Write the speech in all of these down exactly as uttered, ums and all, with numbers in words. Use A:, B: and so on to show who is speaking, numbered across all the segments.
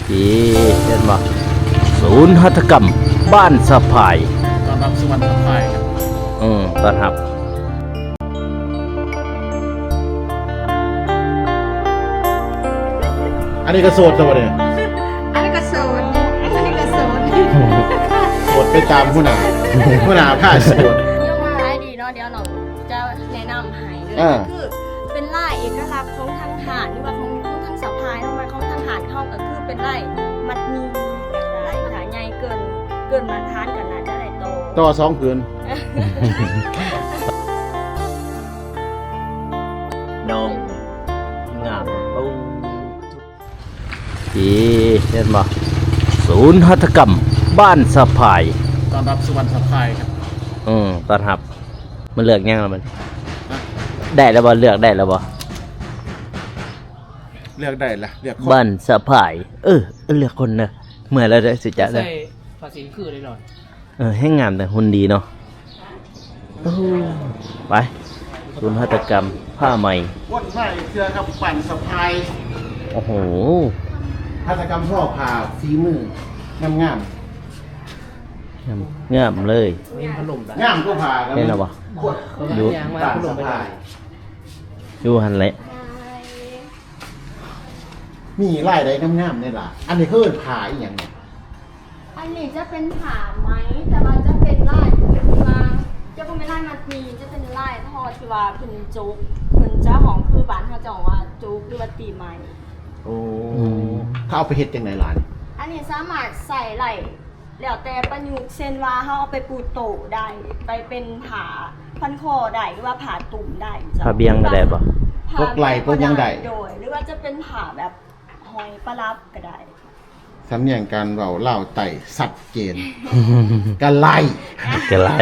A: ที่เห็นบ่ศูนย์หัตถกรรมบ้านสะพาย
B: ตอนรับสวรรค์สะพายครับ
A: อืมต้อนรับ
B: อันนี้ก็โสดตัวเนี่ย
C: อันนี้ก็โสดอันนี้ก็โสด
B: โสดไปตามผู้หนาผู้หนาผ้าโสด
C: ยังมาให้ดีเนาะเดี๋ยวหนูจะแนะนำให้เลยคือเป็นลายเอกลักษณ์ของทางทหารหรือว่าของทางสะพายทำไมของทางทหารเข้าก็คือเป็นลายมัดมีแบบลายขาใหญ่เกินเกินมาทานกันนะจะได้โต
B: ต่อสองผืน
A: น้องงามปูที่เห็นบ่ศูนย์หัตถกรรมบ้านสะพาย
B: ตอนรับสวรรค์สะพายครับ
A: อืมต้อนรับมันเลือกยังแล้วมันได้แล้วบ่เลือกได้แล้วบ่
B: เลือกได้ละเลือก
A: บ้านสะพายเออเลือกคนนะเมื่อแล้วได้สิจ๊ะได้
D: ภาษีคือได้หน่อย
A: เออให้งามแต่หุ่นดีเนาะไปศูนย์หัตถกรรมผ้าใหม่
B: วนไม้เสื้อครับปั่นสะพาย
A: โอ้โห
B: หัตถกรรมพ่อผ่าฝีมืองามงาม
A: งามเลย
B: งามก็ผ่า
A: เห็นแล้วบ่
D: ดู
B: ปั่นสะพาย
A: ดูหันเลย
B: มีลายใดงามๆนี่ล่ะอันนี้คือผ่าอีหยังเนี่ย
C: อันนี้จะเป็นผ่าไหมแต่ว่าจะเป็นลายมาจะเป็นลายมัดมีจะเป็นลายทอที่ว่าเป็นจุกเป็นเจ้าของคือบ้านเขาจะบอกว่าจุกหรือว่าตีไม้
B: โอ้เขาเอาไปเฮ็ดจังได๋ล่ะ
C: อันนี้สามารถใส่ไหล่แล้วแต่ประยุกต์เช่นว่าเขาเอาไปปูโตได้ไปเป็นผาพันคอได้หรือว่าผาตุ่มได้
A: ผาเบียงก็ได้ป่ะ
B: พวกไหล่พวกยังได้
C: โดยหรือว่าจะเป็นผาแบบหอยปลาลับก็ได้
B: สำเนียงการเว้าเล่าไต่สัดเจนกันไล่
A: กันไล่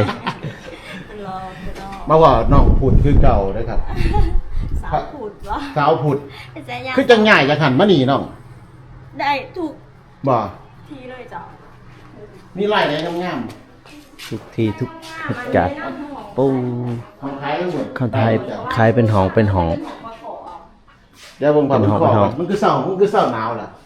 B: มาว่าน้องผุดคือเก่าเด้อครับ
C: สาวผุดวะ
B: สาวผุดคือจังง่ายจังหันมานี่น้อง
C: ได้ถูก
B: บ่
C: ทีเลยจ้ะ
B: มีลายไหนงาม
A: ๆทุกทีทุกเหตุการณ์ปู
B: ของไทยทั้งหมด
A: ของไทยขายเป็นหองเป็นหอง
B: เดี๋ยวผมพาไปขอมันคือเศร้ามันคือเศร้าหนาวล่ะ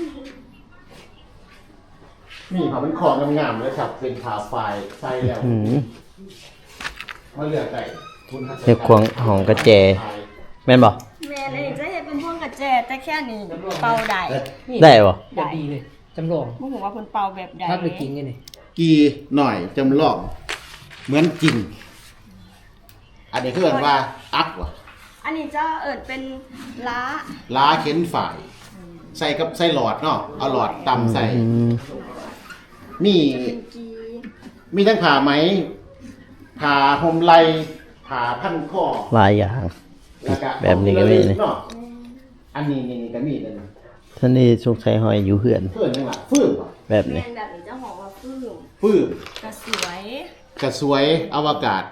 B: นี่เขาเป็นของงามๆเลยครับเป็นขาไฟใส่แล้วมาเลือกได้
A: เฮ็ดควงหองกระแจแม่นบ่
C: แม่เลยจะเฮ็ดเป็นพวงกระแจแต่แค่นี้เป่าได้
A: ได้บ่
D: ได้ดีเลยจำลอง
C: บ่ฮู้ว่าเพิ่นเป่าแบบใด
D: ถ้าเป็นจริงนี่
B: กีหน่อยจำลองเหมือนจริงอันนี้คือเอิ้นว่าอักว่ะ
C: อันนี้จะเอิ้นเป็นล้า
B: ล้าเข็นฝ่ายใส่กับใส่หลอดเนาะเอาหลอดตำใส่มีมีทั้งผ่าไหมผ่าห่มไหล่ผ่าพันคอ
A: หลายอย่างแบบนี้ก็มี
B: เนาะอันนี้นี่ก็มีเลย
A: ท่านนี่สุกใส่หอยอยู่เหือน
B: เหือนจังหวะฟื้น
A: แบบนี้
C: แบบนี้จะหอมว่าฟื้น
B: ฟื้น
C: กระสวย
B: กระสวยอวกาศ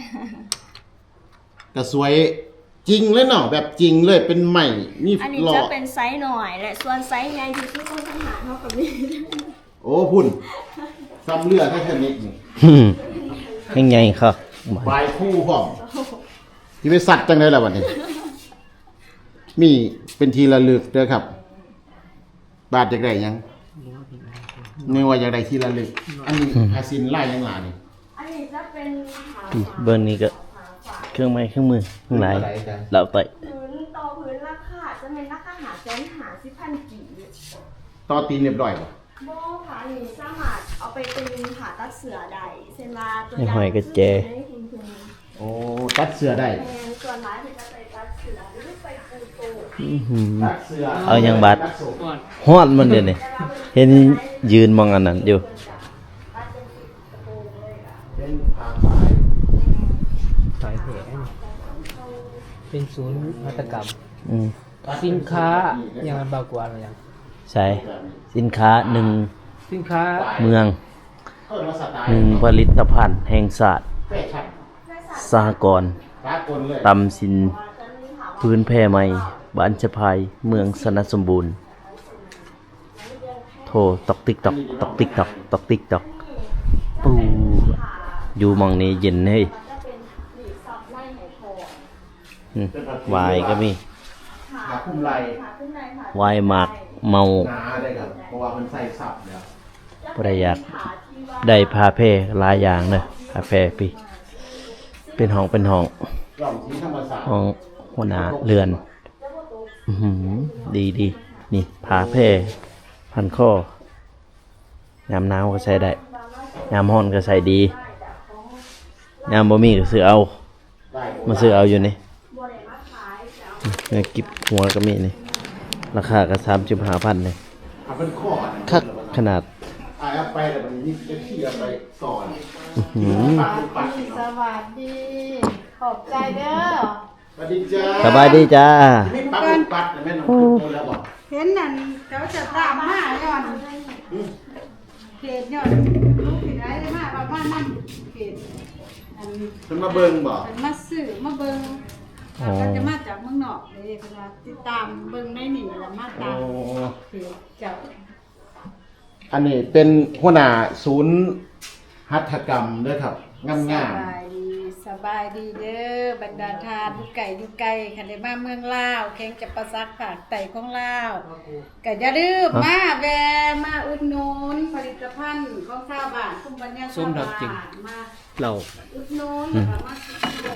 B: กระสวยจริงเลยเนาะแบบจริงเลยเป็นใหม่นี่
C: อันนี้จะเป็นไซส์หน่อยและส่วนไซส์ใหญ่ที่คือต้องทหารเท่ากับนี้
B: โอ้พุ่นซ้ำเลือดให้ชนิดนี่
A: ยังไงครับ
B: ใบคู่พร้อมที่ไปสัตว์จังเลยล่ะวันนี้มีเป็นทีละลึกเด้อครับบาทจากไหนยังไม่ว่าจากไหนทีละลึกอันนี้อาซินไล่ยังหลานี่
C: อันนี้จะเป็น
A: เบอร์นี้ก็เครื่องไม้เครื่องมือทั้งหลายเราไป
C: พื้นต่อพื้นราคาจะเป็นราคาหาแสนหาสิบพันกี่
B: ต่อตีนเรียบร้อยป่ะ
C: โบผ่าหนีสามารถเอาไปเป็นผ่าตัดเสือได้เช่นว่าตัว
A: อย่างหอยกระเจ
B: โอ้ตัดเสือได้
C: ส่วนร้ายเป็นจะไปตัดเสือหรือไปปูโต
B: ตัดเสือ
A: เอาอย่างบัดฮอดมันเดี๋ยวนี้เห็นยืนมองอันนั้นอยู่
B: เป็นผ่าสาย
D: สายแผลเป็นศูนย์หัตถกรรมสินค้าอย่างเบากว่าอะไรอย่าง
A: ใช่สินค้าหนึ่ง
D: สินค้า
A: เมืองหนึ่งผลิตภัณฑ์แห่งศาสตร์สหกรณ์ตำสินพื้นแพร่ใหม่บ้านชะพายเมืองสนัสสมบูรณ์โทรตอกติ๊กตอกตอกติ๊กตอกตอกติ๊กตอกปูอยู่มองนี้เย็นเฮ้ยวายก็มีวายหมากเมา
B: เพราะว่ามันใส่สับแล้ว
A: บ่ได้อยากได้ผ้าแพร่หลายอย่างเด้อผ้าแพร่พี่เป็นห้องเป็นห้อง
B: กล่องสีธรรมศาสตร์
A: ห้องหัวหน้าเรือนอื้อหือดีดีนี่ผ้าแพร่พันคอยามหนาวก็ใส่ได้ยามร้อนก็ใส่ดียามบ่มีก็ซื้อเอามาซื้อเอาอยู่นี่เนี่ยกิบหัวก็มีนี่ราคาก็สามสิบห้าพันเลย
B: เอาเป็นข้อ
A: คักขนาด
B: อ่าเอาไปแต่มันนี่จะที่เอาไปสอน
A: อื้อหือ
B: ปักปัก
E: สวัสดี ขอบใจเด้อ
B: สวัสดีจ้า
A: สบายดีจ้า
B: ไม่ปักปักแต่แม่น้องพูดแล้วบอก
E: เห็นนั่นเขาจะตามมาย้อนเขตย้อนลูกผิดไรได้มาเรามานั่นเขตอัน
B: ฉันมาเบิ่งบอก
E: เป็นมาซื้อมาเบิ่งเราก็จะมาจากเมืองนอกเลยเป็นว่าติดตามเบิ่งในนี่แล้วมาตามเขตเจ้า
B: อันนี้เป็นหัวหน้าศูนย์หัตถกรรมด้วยครับงาม
E: ส
B: งาม
E: บายดีสบายดีเด้อบรรดาทานทุกไก่ทุกไก่คันได้มาเมืองลาวแข่งจะประซักผากไต่ของลาวก็อย่าลืมมาแวะมาอุดหนุนผลิตภัณฑ์ของชาวบ้านคุ้มบัญญัติ
D: ส้มดอกจิก
E: มา
D: เรา
E: อุดหนุนแล้วก็มาซื้อของ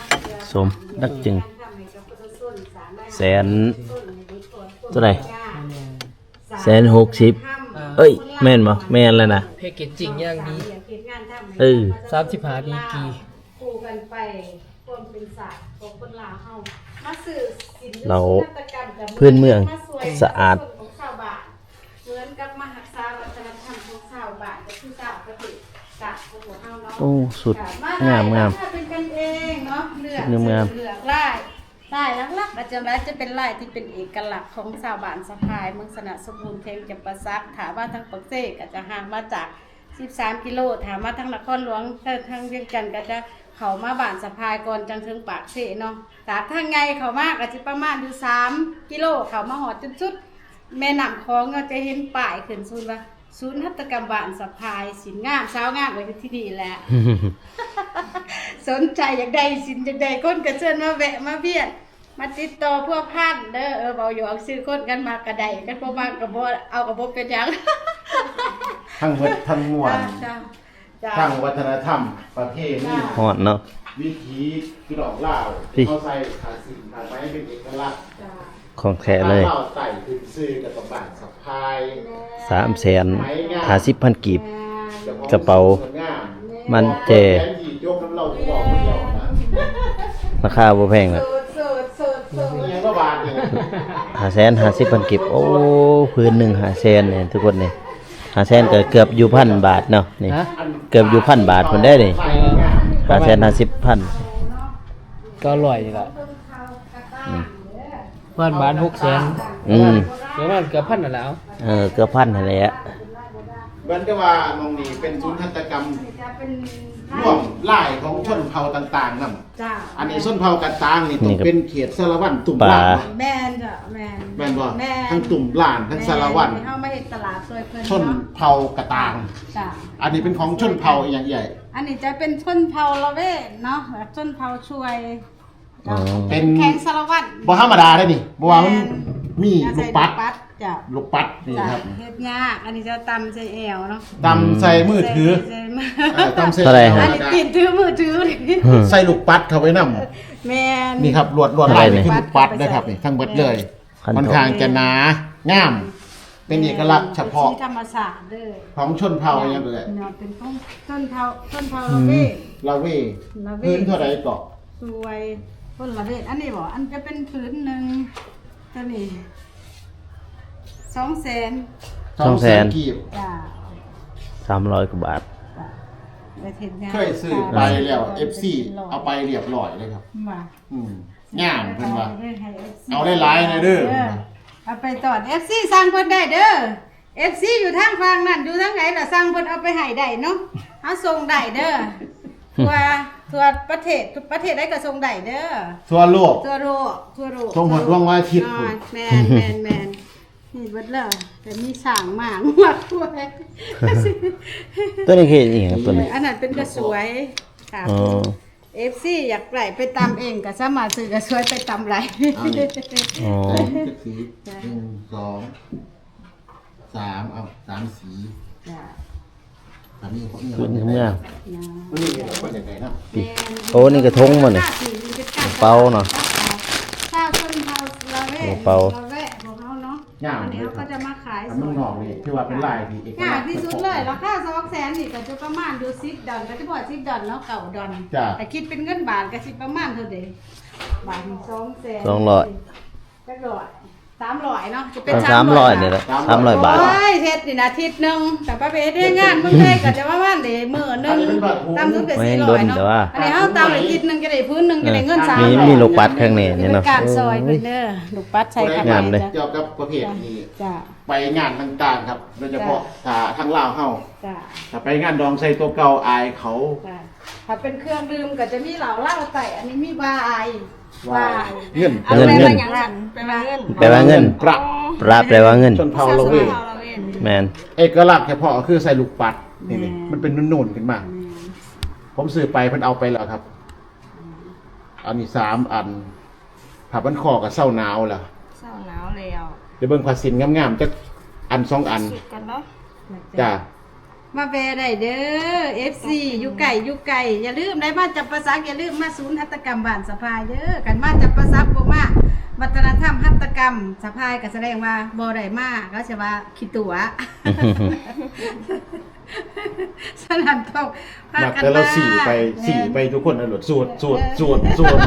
A: สมดักจึง
E: ทำให้กับประชาชนสามารถ
A: แสนเท่าไหร่แสนหกสิบเอ้ย แม่นบ่แม่นแล้วนะ
D: แพ็กเกจจริงอย่างดี
A: เออ
D: สามสิบห้าดีกรี
E: คู่กันไปคนเป็นศาสตร์ของคนลาวเฮามาสื่อศิลป์
A: เรา
E: นวัตกรรมกับ
A: พื้นเมือง
E: มาสวย
A: สะอาด
E: ของชาวบ้านเหมือนกับมหักษาวัฒนธรรมของชาวบ้านก็คือชาวประเทศกะของพวกเฮาเนาะ
A: โอ้สุด
E: ค่ะ
A: งามงาม
E: ถ้เป็นกันเองเนาะเลือก
A: งามงาม
E: เลือกลายลายหลักๆอาจารย์จะเป็นลายที่เป็นเอกลักษณ์ของชาวบ้านสะพายเมืองสนะสมบูรณ์เทงจำปาสักถามว่าทางปักเสกก็จะห่างมาจากสิบสามกิโลถามว่าทางนครหลวงทางเวียงจันทร์ก็จะเข้ามาบ้านสะพายก่อนจังถึงปากเสเนาะจากทางไงเข้ามาก็สิประมาณอยู่สามกิโลเข้ามาหอดจนสุดแม่น้ำคลองก็จะเห็นป้ายขึ้นศูนย์ว่าศูนย์หัตถกรรมบ้านสะพายสินงามสาวงามไว้ที่นี่แหละ สนใจอยากได้สินอยากได้คนก็เชิญมาแวะมาเวียนมาติดต่อพวกพันเด้อเออเบาอยู่เอาซื้อคนกันมากระไดกันบ่มากกระบ่เอากระบ่เป็นหยัง
B: ทั้งเวททั้งมวล
E: จ้าจ้า
B: ทั้งวัฒนธรรมประเพณี
A: ฮอดเนาะ
B: วิถีพี่น้องลาว
A: พี่
B: เขาใส่ขาสิ่งขาไม้เป็นเอกลักษณ์
E: จ้า
A: ของแท้เลย
B: ข้าวไต่ขึ้นซื้อกับกระบะสะพาย
A: สามแสนห้าสิบพันกีบ
E: แม่
A: กระเป๋า มันเจ
B: แขนหยีดยกน้ำเราที่บอกคนเดียวนะ
A: ราคาบ่แพงนะ
E: สูตรสูตรสูตรสูตร
B: มียังก็บาทเนี่ย
A: ห้าแสนห้าสิบพันกีบโอ้พื้นหนึ่งห้าแสนเนี่ยทุกคนเนี่ยห้าแสนก็เกือบอยู่พันบาทเนาะนี่
D: ฮะ
A: เกือบอยู่พันบาทคนได้นี่ห้าแสนห้าสิบพัน
D: ก็อร่อยนี่แหละบ้านบ้านหกแสน
A: อืม
D: เดี๋ยวมันเกือบพันนั่นแหล้ว
A: เออเกือบพันนั่นแหละ
B: เหมือนกับว่ามองนี่เป็นศูนย์หัตถกรรม
E: จะเป็น
B: ร่วมไล่ของชนเผ่าต่างๆนั่น
E: จ้า
B: อันนี้ชนเผ่ากันต่างนี่ต้องเป็นเขตสารวัตรตุ่มล่าง
E: แม่นจ้ะแม่น
B: แม่นบ่
E: แม่น
B: ทั้งตุ่มล่างทั้งสารวัตร
E: แม่นเฮามาเฮ็ดตลาดซอยเพิ่น
B: ชน
E: เนาะ
B: เผ่ากระตาง
E: จ้า
B: อันนี้เป็นของชนเผ่าอย่างใหญ่
E: อันนี้จะเป็นชนเผ่าละเวทเนาะแบบชนเผ่าช่วย
A: อ๋อ
B: เป็น
E: แข่งสารวัตร
B: บ่ธรรมดาได้นี่บ่ว่ามันมีลูกปัด
E: ปัดจ้ะ
B: ลูกปัดนี่
E: จ้ะ
B: ครับ
E: เฮ็ดยากอันนี้จะตำใส่แอวเนาะ
B: ตำใส่มือถือ
E: ใส่มื
B: เออตำใส่
A: เท่าไหร่
B: แล้
E: อัน
B: ว
E: นี้
B: ก็
E: ติดถือมือถือนี่
B: ใส่ลูกปัดเข้าไปนำ
E: แม่น
B: นี่ครับลวดลวด
A: เท่าไหร่
B: ลายนี่
A: เนี่ย
B: คือลูกปัดนะครับนี่ทั้งหมดเลย
A: พัน
B: ค่อนข้างจะหนางาม เป็นเอกลักษณ์เฉพาะ
E: ที่ธรรมศาสตร์เด้อ
B: ของชนเผ่าอย่างเลย
E: เนาะเป็นของชนเผ่าชนเผ่าละเวท
B: ลาเว
E: ละเว
B: พื้นเท่าไหร่ก็
E: สวยคนละเวทอันนี้บ่อันจะเป็นผืนหนึงตัวนี้สองแสน
A: สองแสน
B: กีบ
E: จ้า
A: สามร้อยกว่าบาท
E: จ้าไปเฮ็ดงาน
B: เคยซื้อไปแล้ว เอฟ ซี เอาไปเรียบร้อยเลยครับ
E: มา
B: อืมงามเพิ่นว่า
E: ให้ เอฟซี
B: เอาได้หลายหน่อยเด้อ
E: เอาไปตอด เอฟ ซี สั่งเพิ่นได้เด้อ เอฟ ซี อยู่ทางฝั่งนั่นอยู่ทางไหนล่ะสั่งเพิ่นเอาไปให้ได้เนาะเอาส่งได้เด้อทั่วทั่วประเทศทุกประเทศได้ก็ส่งได้เด้อ
B: ทั่วโลก
E: ทั่วโลกทั่วโลก
B: ส่งหมดดวงวันอาทิตย์
E: อ่า
B: พุ่น
E: แม่นแม่นแม่นนี่เบิดแล้วแต่มีสร้างหมางมากด้วย
A: ตัวนี้คืออีหยังตัวนี้
E: อันนั้นเป็นกระสวยค่ะ
A: อ๋อ
E: เอฟซีอยากไหลไปตำเองก็สามารถซื้อกระสวยไปตำไหล
A: อ๋อ
B: สีหนึ่งสองสามเอาสามสี
E: จ้ะ
B: อันนี้เขา
A: พื้นเมื่อ
E: นะ
B: มันนี่เราคนอย่างไรเนาะ
A: โอ้นี่กระทงมันนี่เป่าเนาะ
E: ข้าวต้นเฮาเราแวะ
A: เป่า
E: เราแวะของเขาเนาะ
B: ย่าง
E: อันนี้
B: เลย
E: เขาก็จะมาขาย
B: อัน
E: ส
B: มัน
E: ด
B: นอกนี่ที่ว่าเป็นลายที่เอก
E: ง่า
B: ลั
E: ย
B: กษณ์
E: ที่สุดเลยราคาสองแสนนี่ก็จะประมาณดูซิปดอนก็จะบอกซิปดอนเนาะเก่าดอน
B: จ้ะ
E: แต่คิดเป็นเงินบาทก็สิประมาณเท่าเดบาทสองแสน
A: สองร้อย
E: จักร้อยสามร้อยเนาะจะเป็น
A: สามร้อยนี่แหละสามร้อยบาท
E: โอ้ยเฮ็ดนี่นะอาทิตย์หนึงแต่ประเภทได้งานเมืองไทยก็จะประมาณเดมื้อหนึงตามสุดก็
A: ไม่
E: สี่
A: ล้
E: ร้อน ยเนาะ
A: แต่ว่า
E: อันนี้เฮาตามอาทิตย์หนึงจะได้พื้นหนึงจะได้เงินสาม
A: มี
E: ร้อย
A: มีลูกปัดข้างในนี่เนาะ
E: ป็การซอยเพิ่นเด้อลูกปัดใช้ข้างใน
A: งามเลย
E: จ้ะ
B: เกี่ยวกับประเภทนี้
E: จ้ะ
B: ไปงานต่างๆครับ โดยเฉพาะถ้าทางลาวเฮา
E: จ้ะ
B: ถ้าไปงานดองใส่ตัวเก่าอายเขา
E: จ้ะถ้าเป็นเครื่องดื่มก็จะมีเหล้าเหล้าใส่อันนี้มีวาย
B: ว่าเงิน
A: เงินเงิน
C: อย่างนั้นเป็นเงิน
A: แปลว่าเงิน
B: ประ
A: ปราแปลว่าเงิน
B: ชนเผ่าเราเว้ย
A: แมน
B: เอกลักษณ์เฉพาะก็คือใส่ลูกปัดนี่นี่มันเป็นนุ่นๆขึ้นมา ผมซื้อไปเพิ่นเอาไปแล้วครับ อันนี้สามอันผับมันคอกับเศร้าหนาวล่ะ
C: เศร้าหนาวแล้ว
B: เดี๋ยวเบิ่งภาษินงามๆจักอันสองอัน
C: สุดกันเนาะ
B: จ้า
E: มาแวะได้เด้อ เอฟ ซี อยู่ไก่อยู่ไก่อย่าลืมได้มาจับประสักอย่าลืมมาศูนย์หัตถกรรมบ้านสะพายเด้อกันมาจับประสักบ่มาวัฒนธรรมหัตถกรรมสะพายก็แสดงว่าบ่ได้มาก็สิว่าคิดตัว สนั่นทองพา
B: มัก
E: กัน
B: แต่เรา
E: มา
B: สี่ไปสี่ไปทุกคนนะหลดสวดสวดสวดสวด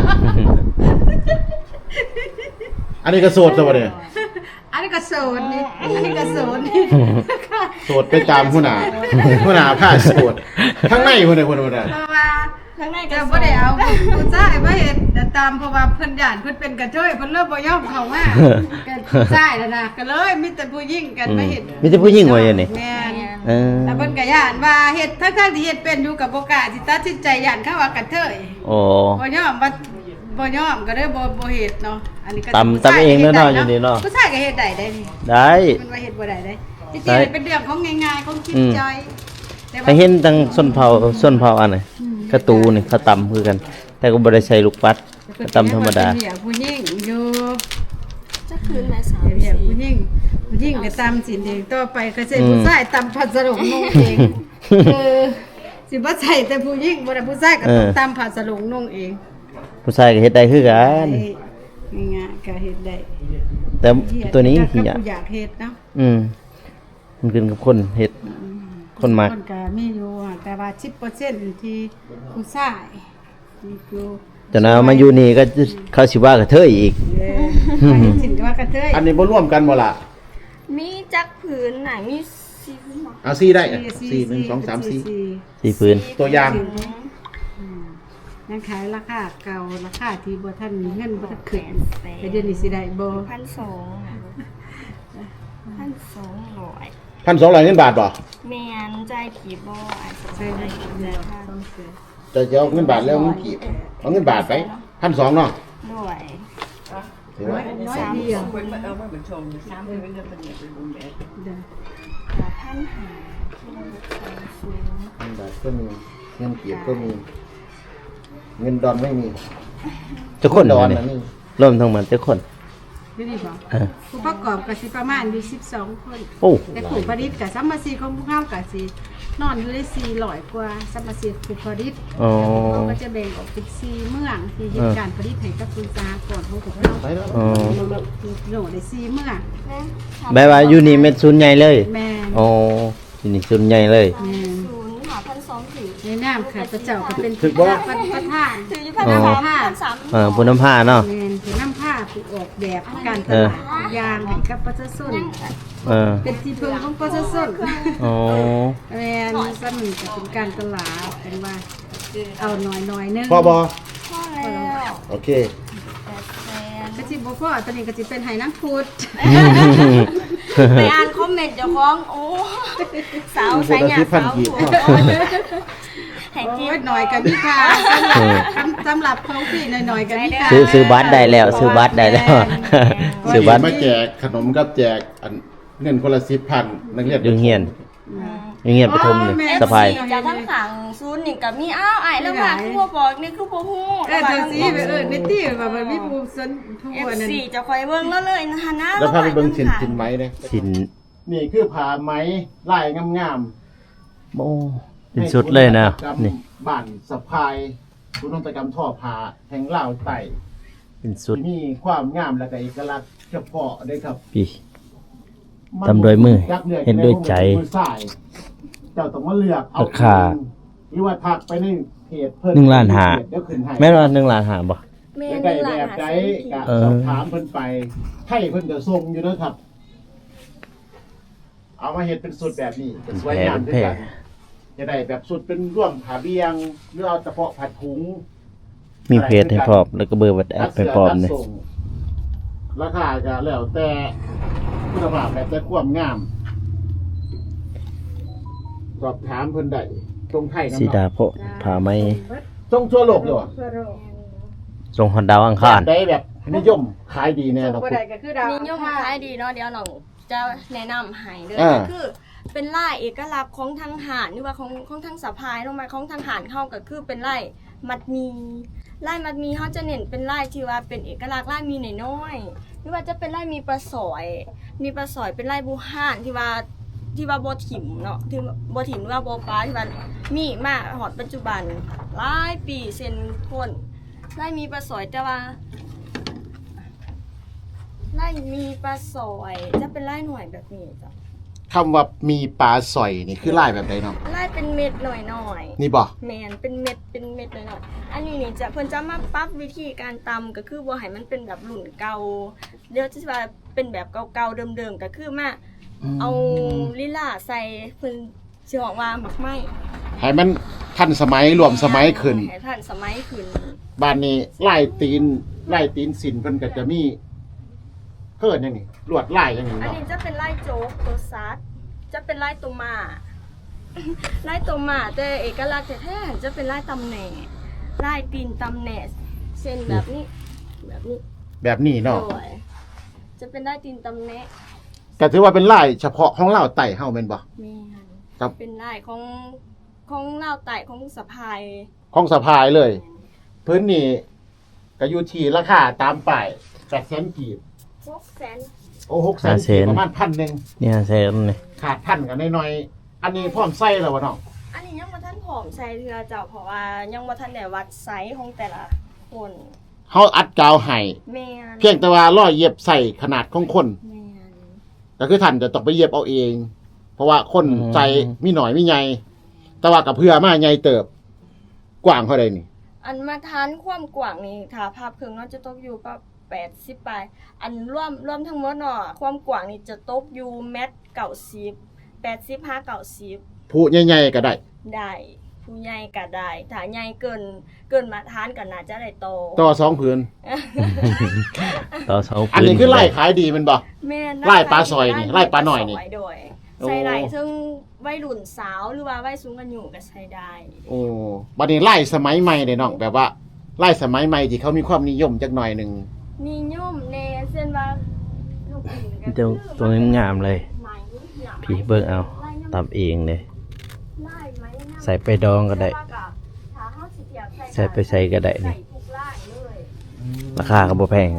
B: อันนี้ก็สวดซะบ่เนี่ย
E: อันนี้ก็โสดนี่อันนี้ก็โสดนี่
B: สวดไปตามหัวหน้าหัวหน้าผ้าสวดข้างในพุ่นน่ะพุ่นน่ะ
E: เพราะว่า
C: ข้างในก็
E: เจ้าบ่ได้เอาผู้ชายมาเฮ็ดแต่ตามเพราะว่าเพิ่นย่านเพิ่นเป็นกระเทยเพิ่นเริ่มบ่ยอมเข้ามาก็ผู้ชายแล้วนะก็เลยมีแต่ผู้หญิงกันมาเฮ็ด
A: มีแต่ผู้หญิงไว้อย่างนี้
E: แม่น
A: เออ
E: แต่เพิ่นก็ย่านว่าเฮ็ดทั้งๆที่เฮ็ดเป็นอยู่กับบ่กล้าสิตัดสินใจย่านเขาว่ากระเทย
A: โอ้
E: บ่ยอมบ่บ่ยอมก็เลยบ่บ่เฮ็ดเนาะอันนี้ก็
A: ตำตำเองเนาะเนาะอยู่นี่เนาะ
E: ผู้ชายก็เฮ็ดได้ได้นี่
A: ได้
E: มันว่าเฮ็ดบ่ได้ได้จริง
A: ได้
E: ๆเป็นเรื่องของง่ายๆของคิด
A: อืม
E: จอยแต่ว่า
A: ถ้าเห็นตั้งส้นเผาส้นเผาอันไหนกระตูนี่เขาตำคือกัน แต่ก็บ่ได้ใส่ลูกปัดก็ตำธรรมดา
E: เป็นเหี้ยผู้หญิงอยู่
C: จะคืนไหมสาม
E: เดี๋ยว
C: สี่
E: ผู้หญิงผู้หญิงก็ตามสินเองต่อไปก็ใส่
A: อืม
E: ผู้ชายตามพัสดุนุ่งเองเออสิบ่ใส่แต่ผู้หญิงบ่ได้ผู้ชายก็ต้องตามพัสดุนุ่งเอง
A: ผู้ชายก็เฮ็ดได้คือกัน
E: ง่ายๆก็เฮ็ดได้
A: แต่ตัวนี้
E: ก็
A: คืออยาก
E: อยากเฮ็ดเนาะ
A: อืมมันขึ้นกับคนเฮ็ด คนมัก
E: คนก็มีอยู่อะแต่ว่าสิบเปอร์เซ็นต์ที่ผู้ชายที่อยู่
A: จนเอามาอยู่นี่ก็เขาสิว่ากระเทยอีก
E: เออไปสินก็ว่ากระเทย
B: อันนี้บ่ร่วมกันบ่ล่ะ
C: มีจักผืนไหนมีสีผืนหรอ
B: เอาสี่ได้อะสี่หนึ่งสองสามสี่
A: สี่พื้น
B: ตัวอย่าง
E: ยังขายราคาเก่าราคาที่บ่ทันมีเงินบ่ทันขึ้นแต่เดี๋ยวนี้สิได้บ่
C: พันสองพันสองร้อย
B: พันสองร้อยเงินบาทบ่
C: แมนใจผีบออาจจะ
E: ใช่
C: ใจ
E: ได้
C: ผี
E: ได้
C: บอ
E: ต้องเสีย
B: จะจะเอาเงินบาทแล้วเอาเงินกีบเอาเงินบาทไปพันสองเนาะ
C: ด้วย
B: ถือว่า
E: น้อยเดียว
C: พันหา
B: เงินบาทก็มีเงินกีบก็มี เงินดอนไม่มี
A: ทุกคน
B: ดอน
A: นี่
B: นะนี่
A: รวมทั้งหมดทุกคน
E: นี่ดีบ่
A: เออ
E: ผู้ประกอบก็สิประมาณอยู่สิบสองคน
A: โอ้
E: แต่ผู้ผลิตกับสัมมาซีของพวกเขากับสีนอนอยู่ได้สี่ร้อยกว่าสัมมาซีผู้ผลิต
A: อ๋อ
E: เขาก็จะแบ่งออกเป็นสี่เมืองที่เหตุการณ์ผลิตให้กับคุณสากรของพวกเขา
B: ไปแล้ว
A: อ๋อ
E: โหนได้สี่เมือง
A: แปลว่าอยู่นี่เม็ดศูนย์ใหญ่เลย
E: แม่น
A: อ๋ออยู่นี่ศูนย์ใหญ่เลย
E: แม่น
C: ศูนย์หาพันสองถือ
E: ในน้ำค่ะพระเจ้าก็เป็น
B: ถึกบ่
E: ประประธาน
C: ถืออยู่พันสามพันสาม
A: เออผู้นำผ้าเนาะ
E: แม่นถือน้ำผ้าผู้ออกแบบการตลาดยางให้กับประชาชน
A: เออ
E: เป็นที่พึ่งของประชาชน
A: อ๋อ
E: แม่นสนุนก็เป็นการตลาดเป็นว่าเอาหน่อยหน่อยๆนึง
B: พอบอ
C: พ่อแล้ว
B: โอเค
C: แปดแสน
E: กระจิบบ่พ่อตอนนี้กระจิเป็นไหน้ำพุด
C: ไปอ่านคอมเมนต์เจ้าของโอ้สาวสายหยาสาวหัวแห่ง
E: โอ้
C: จี
E: ยหน่อยกันนี่ค่ะสำหรับสำหรับของพี่หน่อยหน่อยๆกันนี่ค่ะ
A: ซื้อซื้อบัตรได้แล้วซื้อบัตรได้แล้วซื้อบัตร
B: มาแจกขนมกับแจกอันเงินคนละสิบพันนักเรียน
A: ดึงเฮียนดึงเฮียนปฐมนี่สะพาย
C: จะทั้งขังซูนนี่กับมีอ้าวไอ้แล้วมาคือบ่บอกนี่คือบ่ฮู้
E: เออเธอสิไปเออในที่แบบมันมีผู้สนผู้
C: เอฟ
E: อันนั้น
C: ซีจะคอยเบิ่งแล้วเลยนะฮะนะ
B: แล้วพาไปเบิ่งสินสินไหมเนี่ย
A: สิน
B: นี่คือผ้าไหมลายงาม
A: โอ้
B: ๆ
A: เป็นสุดเลยนะ
B: ให้
A: นี่
B: บ้านสะพายศูนย์นวัตกรรมทอผ้าแห่งลาวใต้
A: เป็นสุด
B: ที่มีความงามและก็เอกลักษณ์เฉพาะเด้ครับ
A: พี่ ทำโดยมือเห็นด้วยใจ
B: มือซ้ายเจ้าต้องมาเลือกเอา
A: ราคา
B: เองหรือว่าทักไปในเพจเพิ่น
A: หนึ่งล้านห้า
B: เดี๋ยวขึ้นให้
A: แม่นว่าหนึ่งล้านห้าบ่
C: แม่
B: อยาก
C: น
B: ได้
C: หลา
B: แบ
C: น
B: บ
C: หา
B: ใด
C: เส้น
B: ก็
A: เออ
B: สอบถามเพิ่นไปให้เพิ่นจะส่งอยู่เด้อครับ เอามาเฮ็ดเป็นสุดแบบนี้เป็นสวย
A: แพร่
B: งาม
A: เป็น
B: ด้วย
A: แพร่
B: กันจะได้แบบสุดเป็นร่วมผ้าเบียงหรือเอาเฉพาะผ้าถุง
A: มีเพจให้พร้อมแล้วก็เบอร์วัดแอปให้พร้อมนี่
B: ตัดส่งราคาก็แล้วแต่คุณภาพแล้วแต่ความงาม สอบถามเพิ่นได้ตรงไทยน้ำ
A: สีดา
B: เนาะ
A: โพะผ้าไหม
B: ตรงทั่วโลกเลยว่ะ
E: ทั่วโลก
A: ทรงฮอนดาวอัง
B: แบ
A: คาร
B: บได้แบบนิยมขายดีแน่
E: ส่ง
B: เนาะ
E: บ่ได้ก็คือดาว
C: นิยมมาขายดีเนาะเดี๋ยวน้องจะแนะนำให้เด้อ
B: อ่า
C: ก็คือเป็นลายเอกลักษณ์ของทางหารหรือว่าของของทางสะพายลงมาของทางหารเข้าก็คือเป็นลายมัดหมีลายมัดหมีเขาจะเน้นเป็นลายที่ว่าเป็นเอกลักษณ์ลายมีน้อยๆหรือว่าจะเป็นลายมีปลาสอย มีปลาสอยเป็นลายบูห่านที่ว่าที่ว่าบ่ถิ่มเนาะที่บ่ถิ่มหรือว่าบ่ปลาที่ว่ามีมาหอดปัจจุบันหลายปีเส้นทนลายมีปลาสอยแต่ว่า ไล่มีปลาสอยจะเป็นไล่หน่วยแบบนี้จ้ะ
B: คำว่ามีปลาสอยนี่คือลายแบบใดเนาะ
C: ไล่เป็นเม็ดหน่อยหน่อย
B: นี่บ่
C: แมนเป็นเม็ดเป็นเม็ดหน่อยหน่อยอันนี้นี่จะเพิ่นจะมาปรับวิธีการตำก็คือบ่ให้มันเป็นแบบหลุ่นเก่าเดี๋ยวจะว่าเป็นแบบเก่าๆเดิมๆก็คือมาเอาลิล่าใส่เพิ่นสิบอกว่าหมักไหม้
B: ให้มันทันสมัยรวมสมัยขึ้น
C: ให้ทันสมัยขึ้น
B: บ้านนี้ลายตีนลายตีนสินเพิ่นก็จะมีเพิ่นยังนี่ลวดลายยังนี่
C: อัน
B: เนาะ
C: นี้จะเป็นไล่โจ๊กตัวซัดจะเป็นไล่ตัวหมา ไล่ตัวหมาแต่เอกลักษณ์แท้ๆจะเป็นไล่ตำแหน่ไล่ตีนตำแหน่เส้นแบบนี้ แบบนี้
B: แบบนี้เนาะ
C: โดยจะเป็นไล่ตีนตำแหน่
B: ก็ถือว่าเป็นลายเฉพาะของลาวใต้เฮาแม่นบ่
C: แม่น
B: ครับ
C: เป็นไล่ของของเล่าวไต่ของสะพาย
B: ของสะพายเลย พื้นนี่ก็อยู่ที่ราคาตามป้ายแปดแสนกีบ
C: พวกแสน
B: โอ้หกแสนกีบประมาณพันหนึ่ง
A: เนี่ยเซนนี่
B: ขาดพันกันน้อยๆอันนี้พร้อมใส่แล้ววะเนาะ
C: อันนี้ยังบ่ทันผอมใส่เทือเจ้าเพราะว่ายังบ่ทันได้วัดไซส์ของแต่ละคน
B: เฮาอัดกาวให้
C: แม่น
B: เพียงแต่ว่าร้อยเย็บใส่ขนาดของคน
C: แม่น
B: ก็คือท่านจะต้องไปเย็บเอาเอง เพราะว่าคนใจมีหน่อยมีใหญ่แต่ว่ากับเพื่อมาใหญ่เติบ กว้างเท่าใดนี่
C: อันมาทานความกว้างนี่ถ้าภาพเครื่องเนาะจะตกอยู่ประแปดสิบปลายอันรวมรวมทั้งหมดเนาะความกว้างนี่จะตกอยู่เมตรเก้าสิบแปดสิบห้าเก้าสิบ
B: ผู้ใหญ่ๆก็ได้
C: ได้ผู้ใหญ่ก็ได้ถ้าใหญ่เกินเกินมาทานก็น่าจะได้โต
B: ต่อสองผืน
A: ต่อเสา
B: อัน
A: ปืน
B: นี้คือไล่ขายดีแมันบ่
C: แม่น
B: ไล่ปลาซอยนี่ไล่ปลาหน่อยนี่
C: ไล่ปลาซโดย
B: โอ้
C: ใส่ไล่ซึ่งวัยรุ่นสาวหรือว่าวัยสูงอายุก็ใช้ได้
B: โอ้บัดนี้ไล่สมัยใหม่เด้น้องแบบว่าไล่สมัยใหม่ที่เขามีความนิยมจักหน่อยหนึง
C: นิยมแน่เส้นว่าลูกอินก็
A: เจ้าตัวนี้งามเลย
C: ไหมหนาไหม
A: พี่เบิ่งเอาตำเองเลย
C: ไล่ไหมนะ
A: ใส่ไปดองก็ได้
C: ถ้าเฮาสิเทียบ
A: ใส่ไปใส่ก็ได้นี่
C: ใส่ทุกไล่เลย
A: ราคาก็บ่แพง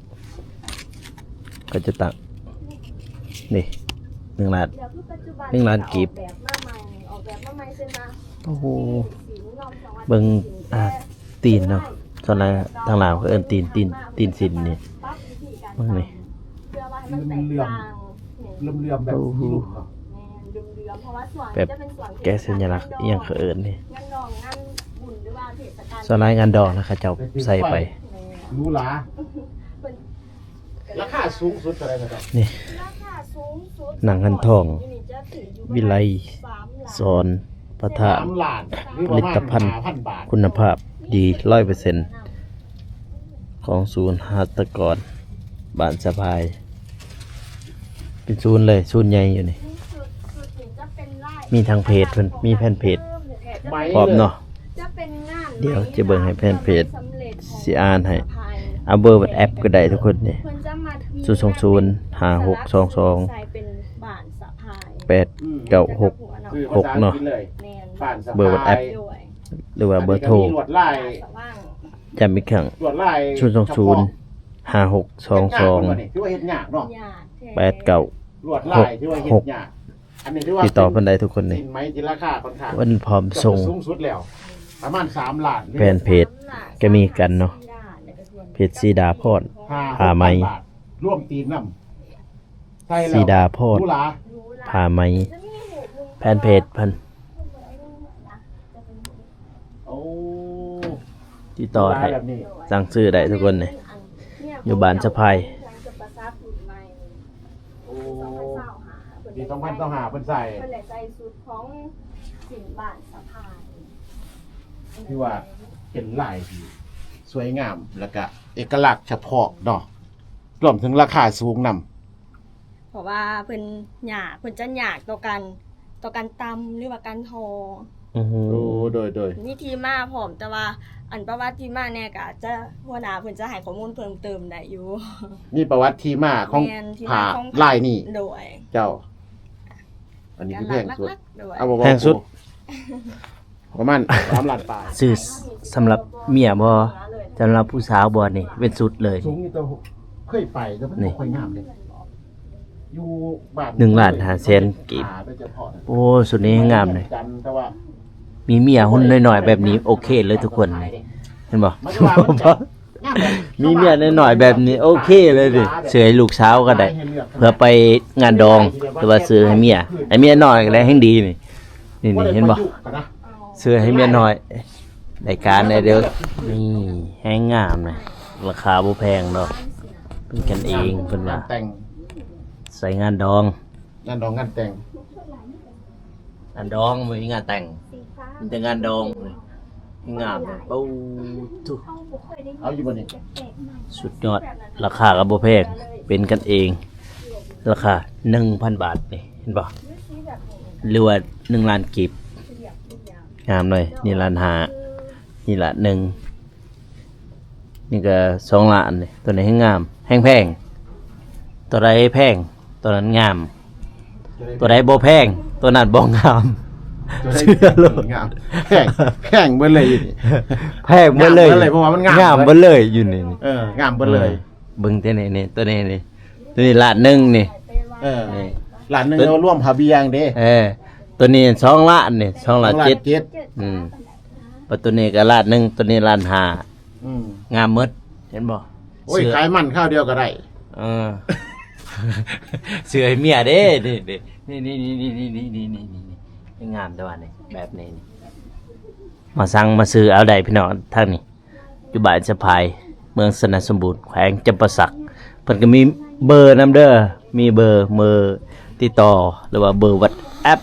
A: ก็จะตักนี่หนึ่งล้าน
C: เดี๋ยวคือปัจจุบัน
A: หนึ่งล้านกีบ
C: ออกแบบมาใหม่ออกแบบมาใหม่เส้นมา
A: โอ้โห
C: สีนอกจังหวัด
A: เบิ่งอ่าตีนเนาะส่วนหลายทางลาวเขาเอิ้นตีนตีนตีนสินนี่
C: ปั๊บวิธีการ
A: เบิ่งนี่
C: เพื่อว่าให้มันแตกต่างเนี่ย
B: เลื่อมๆแบบ
A: โอ้โห
B: ลูกเนาะ
C: แม่นเดือมๆเพราะว่าส่วน
A: แบบ
C: จะเป็นส่วน
A: แกะสัญลักษณ์อิหยังเขาเอิ้นนี่
C: งานดองงานบุญหรือว่าเทศกาล
A: ส่วนหลายงานดอกนะเขาเจ้าใส่ไป
C: แม่
B: หรูหรา
C: เป็น
B: ราคาสูงสุดเท่าไหร่ครับ
A: นี่
C: ราคาสูงสุด
A: หนังหันทอง
C: จะถึงอยู่
A: วิไล
C: สามล้าน
A: สอนพระธาตุ
B: สามล้านหรือ
A: ผ
B: ประ
A: ลิ
B: มาณ
A: ตภัณฑ์
B: ห้าพันบาท
A: คุณภาพดีร้อยเปอร์เซ็นต์ของศูนย์หัตถกรบ้านสะพาย เป็นศูนย์เลยศูนย์ใหญ่อยู่นี่
C: สุดสุดถึงจะเป็นไร่
A: มีทางเพจเพิ่นมีแผ่นเพจ
B: ไม้
A: พร้อมเนาะ
C: จะเป็นงาน
A: เดี๋ยวจะเบิ่งให้แผ่นเพจ
C: สำเร็จของ
A: สิอ่านให้
C: สะพาย
A: เอาเบอร์บัดแอปก็ได้ทุกคนนี่
C: เพิ่นจะมามี
A: ศูนย์สองศูนย์ห้าหกสองสอง
C: ใส่เป็นบ้านสะพาย
A: แปดเก้าหก
B: คือ
A: หกเนาะ
B: ภษอังฤษเลย
C: แม่น
B: บ้านสะพาย
A: เบอร์วัดแอป
C: ด้วย
A: หรือว่าเบอร์โทร
B: นนี้ก็มีลวดลาย
C: สว่าง
A: จำอีกครั้ง
B: ลวดลาย
A: ศูนย์สองศูนย์ห้าหกสองสอง
B: ที่ว่าเฮ็ดยากเนาะ
C: ญาติท้
A: แปดเก้า
B: ลวดลายที่ว่าเฮ็ดยากอันนี้ที่ว่า
A: ติดต่อเพิ่นได้ทุกคนนี่
B: สินไหมที่ราคาค่อนข้าง
A: เพิ่นพร้อมส่ง
B: สูงสุดแล้ว ประมาณสามล้าน
A: แฟนเพจก็มีกันเนาะเพจสีดาพร ผ้าไหม
B: บาทร่วมตีนน้ำใช่แล้ว
A: สีดาพร
B: หรูหรา
A: ผ้าไหมแฟนเพจเพิ่น
B: โอ้
A: ติดต่อ
B: หรูหรา
A: ได้
B: แบบนี้
A: สั่งซื้อได้ทุกคนนี่อยู่บ้านสะพาย
B: โอ้ปีสองพันต้องหาเพิ่นใส่
C: เพิ่นแหละใส่สูตรของสินบ้านสะพาย
B: ที่ว่าเป็นลายที่สวยงามแล้วก็เอกลักษณ์เฉพาะเนาะรวมถึงราคาสูงนำ
C: เพราะว่าเพิ่นหยากเพิ่นจะหยากต่อกันต่อการตำหรือว่าการทอ
A: อือฮึ
B: โอ้โดยโดย
C: มีที่มาพร้อมแต่ว่าอันประวัติที่มาเนี่ยก็อาจจะหัวหน้าเพิ่นจะให้ข้อมูลเพิ่มเติมได้อยู่
B: นี่ประวัติที่มาของ
C: แม่นที่
B: ผ้า
C: มาของ
B: ลายนี่
C: โดย
B: เจ้า อันนี้คือแพงสุด
C: ลักๆโดย
B: เอาบ่
A: แพงสุด
B: ประมาณสามล้านบาท
A: ซื้อสำหรับเมียบ่สำหรับผู้สาวบ่นี่เป็นสุดเลย
B: สูงนี่ตัวเคยไปแต่มัน
A: นี่
B: บ่ค่อยงามเลยอยู่บ้าน
A: หนึ่งล้านห้าแสนกีบ
B: หาได้เฉพาะนะ
A: โอ้สุดนี้งามเลย
B: จันทร์แต่ว่า
A: มีเมียหุ่นน้อยๆแบบนี้โอเคเลยทุกคนเลยเห็นบ่
B: มันจะว่ามันจะงามเลย
A: มีเมียน้อยๆแบบนี้โอเคเลยดิเสือให้ลูกสาวก็ได้ เพื่อไปงานดองหรือว่าซื้อให้เมียให้เมียน้อยก็ได้แห่งดีนี่นี่นี่เห็นบ่
B: ประยุกต์กันนะ
A: ซื้อให้เมียน้อยได้การได้เด้อนี่แห้งงามเลยราคาบ่แพงดอกเป็นกันเองเพิ่นว่า
B: งแต่ง
A: ใส่งานดอง
B: งานดองงานแต่ง
A: งานดองบ่มีงานแต่งมีแต่งานดองเลยงามเลยปูทุก
B: เอาอยู่บนนี้
A: สุดยอดราคาก็บ่แพงเป็นกันเอง ราคา หนึ่งพัน บาทนี่เห็นบ่หรือว่าหนึ่งล้านกีบงามเลยนี่ล้านห้านี่ละหนึ่งนี่ก็สองล้านนี่ตัวนี้ให้งามแห้งแพงตัวใดแพงตัวนั้นงาม ตัวใดบ่แพงตัวนั้นบ่งาม
B: จะได้
A: เชื่อเลย
B: งามแพงแพงเบิดเลยอยู่นี่
A: แพงเบิดเลย
B: งามเบิดเลยเพราะว่ามันงาม
A: งามเบิดเลยอยู่นี่นี่
B: เอองามเบิดเลย
A: เบิ่งตัวนี้นี่ตัวนี้นี่ตัวนี้ล้านหนึ่งนี่
B: เออ
A: นี่
B: หลานหนึงเราร่วมพาเบียงเด้
A: เออตัวนี้สองล้านนี่สองล้าน
B: หลาน
A: เจ็ด
B: เจ็ด
A: อืมปัตัวนี้ก็ล้านหนึ่งตัวนี้ล้านห้า
B: อืม
A: งามหมดเห็นบ่
B: โอ้ย
A: เสื้อ
B: ขายมันข้าวเดียวก็ได้
A: เออ เสื้อให้เมียเด้นี่นี่นี่นี่นี่นี่นี่นี่นี่นี่งามแต่ว่านี่แบบนี้นี่มาสั่งมาซื้อเอาได้พี่น้องทางนี้อยู่บ้านสะพายเมืองสนัสสมบูรณ์แขวงจำปาสักเพิ่นก็มีเบอร์นำเด้อมีเบอร์เบอร์ติดต่อหรือว่าเบอร์ WhatsApp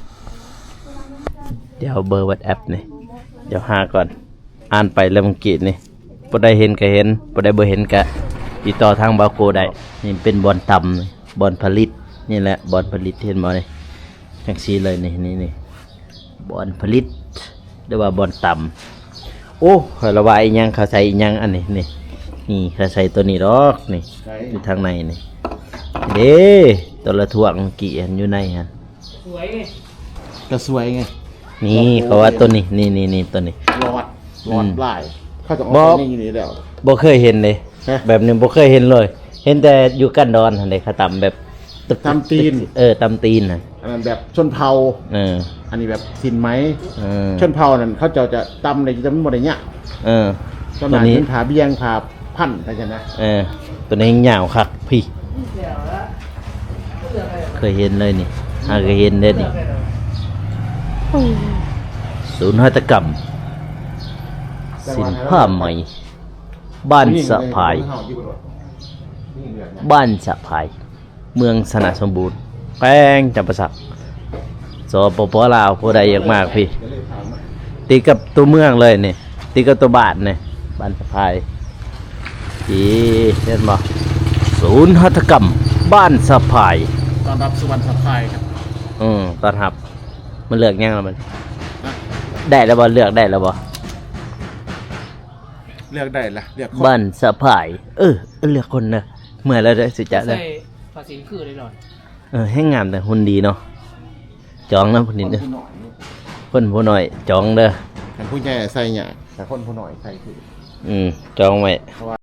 A: เดี๋ยวเบอร์ WhatsApp นี่เดี๋ยวหาก่อนอ่านไปแล้วเมื่อกี้นี่บ่ได้เห็นก็เห็นบ่ได้บ่เห็นก็ติดต่อทางบาโกได้นี่เป็นบอนต่ำนี่บอนผลิตนี่แหละบอนผลิตเห็นบ่นี่จังซี่เลยนี่นี่นี่บอนผลิตหรือว่าบอนต่ำโอ้ข้อยระบายอีหยังเขาใส่อีหยังอันนี้นี่นี่เขาใส่ตัวนี้ดอกนี่
B: ใช่
A: อยู่ทางในนี่เด้ตัวละถ่วงกี่อันอยู่ในหั่น
D: สวยไง
B: ก็สวยไง
A: นี่เขาว่าตัวนี้นี่นี่นี่ตัวนี้
B: รอดรอดลายเขาจะเอา
A: บ่
B: ไปนี่นี่แล้ว
A: บ่เคยเห็นเลย
B: ฮะ
A: แบบนี้บ่เคยเห็นเลย เห็นแต่อยู่กันดอนหั่นเด้เขาตำแบบตึก
B: ตำตีน
A: เออตำตีนน่ะ
B: อันนั้นแบบชนเผ่า
A: เออ
B: อันนี้แบบสินไหม
A: เออ
B: ชนเผ่านั่นเขาเจะจะตำในจะไม่หมดอย่างเงี้ย
A: เออ
B: ต้น
A: ตัว
B: นั้น
A: นี้
B: เป็นผาเบียงผาพันธุ์อะไรกันนะ
A: เออตัวนี้ยาวคักพี่ เคยเห็นเลยนี่หาเคยเห็นเด้อนี่ศูนย์หัตถกรรมสินผ้าไหมบ้านสะพาย บ้านสะพาย เมืองสนะสมบูรณ์แป้งจำปาสักสปปลาวผู้ใดอยากมากพี่ติดกับตัวเมืองเลยนี่ติดกับตัวบ้านนี่บ้านสะพายพี่เห็นบ่ศูนย์หัตถกรรม บ้านสะพาย
B: ตอนรับสุวรรณสะพายครับ
A: อืมตอนหับ มันเลือกยังแล้วมัน ได้แล้วบ่เลือกได้แล้วบ่
B: เลือกได้ละเลือกคน
A: บ้านสะพาย เออเลือกคนนะเมื่อแล้วได้สิจะได้
D: ใส่ภาษีคือเลยหน่อย
A: เออให้งามแต่หุ่นดีเนาะจองนะพุ่นนี่เด้อ
B: ผู้หน่อย
A: เพิ่นผู้น้อยจองเด้อ
B: แต่ผู้ใหญ่ใส่เนี่ยแต่คนผู้หน่อยใส่คือ
A: อืมจองไว้